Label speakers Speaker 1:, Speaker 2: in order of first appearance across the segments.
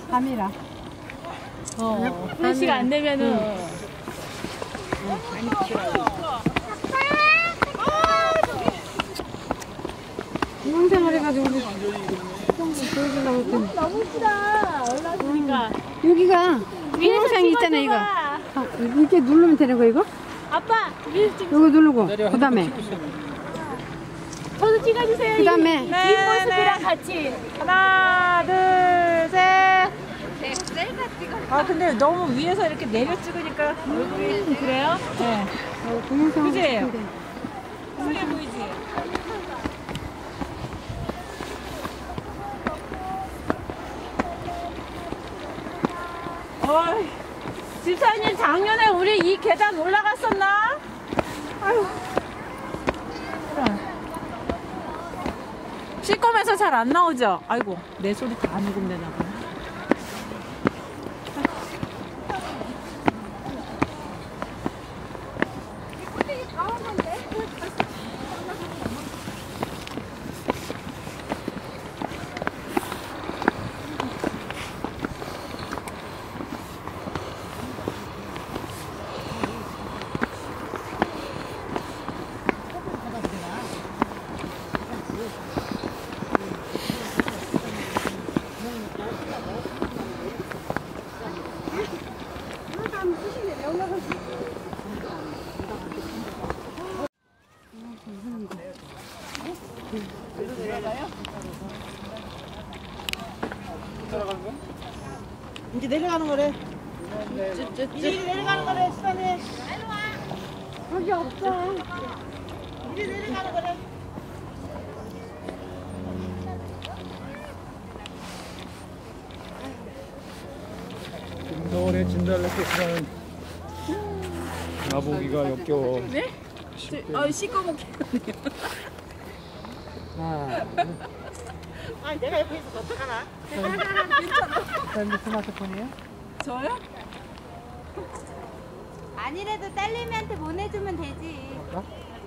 Speaker 1: 밤이라.
Speaker 2: 1시가 안 되면은.
Speaker 1: 동영상을 해가지고 우리
Speaker 2: 너무 이쁘다. 올라오니까.
Speaker 1: 여기가 동영상이 있잖아 이거. 이렇게 누르면 되는 거 이거?
Speaker 2: 아빠 위에서 찍.
Speaker 1: 이거 누르고 그 다음에
Speaker 2: 저도 찍어주세요.
Speaker 1: 그 다음에
Speaker 2: 뒷모습이랑 같이. 하나 둘 셋. 아 근데 너무 위에서 이렇게 내려 찍으니까 얼굴이 그래요? 네.
Speaker 1: 동영상
Speaker 2: 그지? 그래 보이지? 어이, 집사님 작년에 우리 이 계단 올라갔었나? 아유. 씻으면서 잘 안 나오죠? 아이고 내 소리 다 안 녹음되나 보네.
Speaker 3: 이제 내려가는 거래. 이제 내려가는 거래, 수단이.
Speaker 1: 거기 없어.
Speaker 3: 이제 내려가는 거래.
Speaker 4: 서울의 진달래꽃이라는 나보기가 역겨워.
Speaker 2: 네? 씻어먹겠네요.
Speaker 3: 아, 내가 옆에 있어서 어떡하나?
Speaker 1: 저 스마트폰이에요?
Speaker 2: 저요?
Speaker 5: 아니래도 딸내미한테 보내주면 되지. 그럼.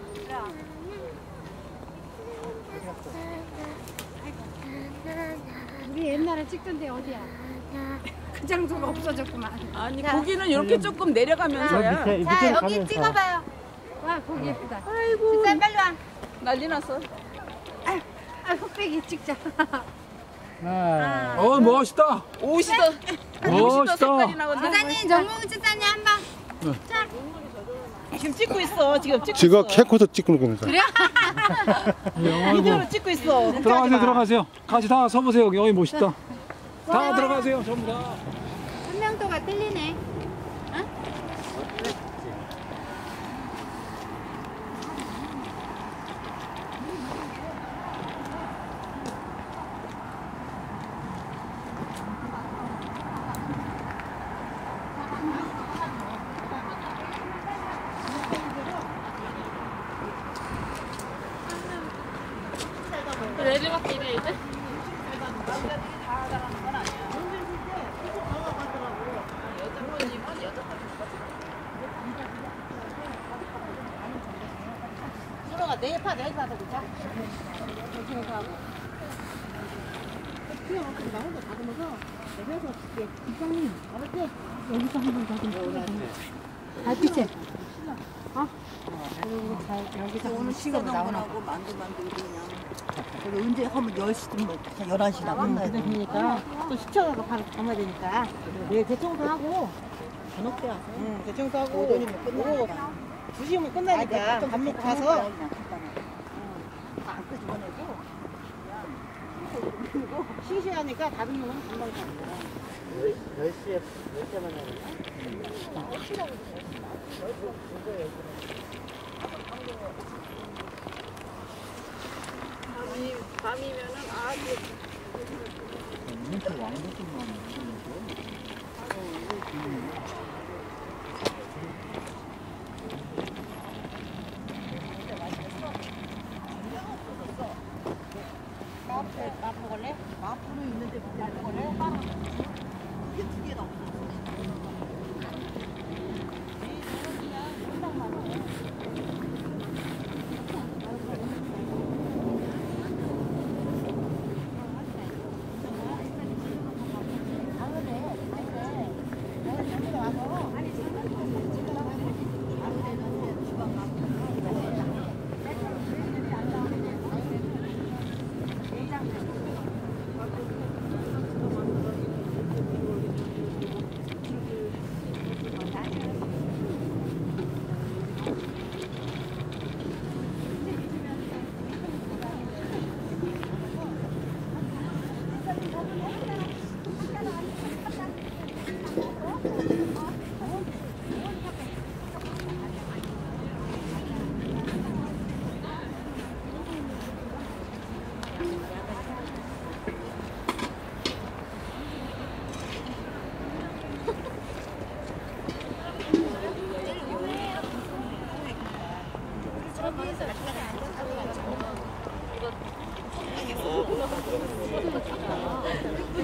Speaker 1: 우리 옛날에 찍던 데 어디야? 그 장소가 없어졌구만.
Speaker 2: 아니 고기는 이렇게 조금 내려가면서야.
Speaker 5: 자, 여기 찍어봐요.
Speaker 1: 와 거기 예쁘다.
Speaker 2: 아이고
Speaker 5: 집사님 빨리 와.
Speaker 2: 난리 났어.
Speaker 1: 아 흑백이 찍자.
Speaker 4: 멋있다.
Speaker 2: 옷이도
Speaker 4: 멋있다.
Speaker 2: 색깔이 나거든.
Speaker 5: 집사님, 정몽 집사님 한 번.
Speaker 3: 지금 찍고 있어. 지금 찍고
Speaker 6: 지금
Speaker 3: 있어.
Speaker 6: 캐코도 찍는 겁니다.
Speaker 5: 그래요?
Speaker 3: 비디오로 찍고 있어.
Speaker 4: 들어가세요, 들어가세요. 같이 다 서보세요. 여기 멋있다. 다 들어가세요, 전부 다.
Speaker 5: 선명도가 틀리네.
Speaker 2: 내리막길이야 이제?
Speaker 3: 수로가 내파 그자.
Speaker 1: 여기서 한번 더 좀. 달빛에. 여기서
Speaker 3: 오늘 시간 나오고 만두 만들고 그냥. 그리고 언제 하면 10시쯤 뭐 11시 나간다. 그러니까 또 시청하고 바로 가야 되니까. 내일 대청소 하고 저녁 때 와서. 응, 대청소 하고 오전이면 끝나고 2시면 끝나니까 밥 먹고 가서 안 끄집어내고 그리고 싱싱하니까 다른 놈은 금방 가는 거야. 10시에 만나는
Speaker 2: 밤이면은 아주
Speaker 3: 밥 먹을래? 마프로 있는데 밥 먹을래? 이게 두 개나 없어.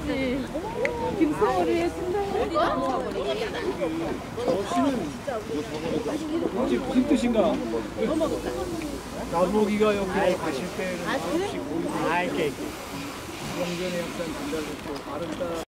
Speaker 4: 혹시 무슨 뜻인가? 나보기가 여기 가실 때는 없이 보이고 영전의 약산 단달로 바른 따라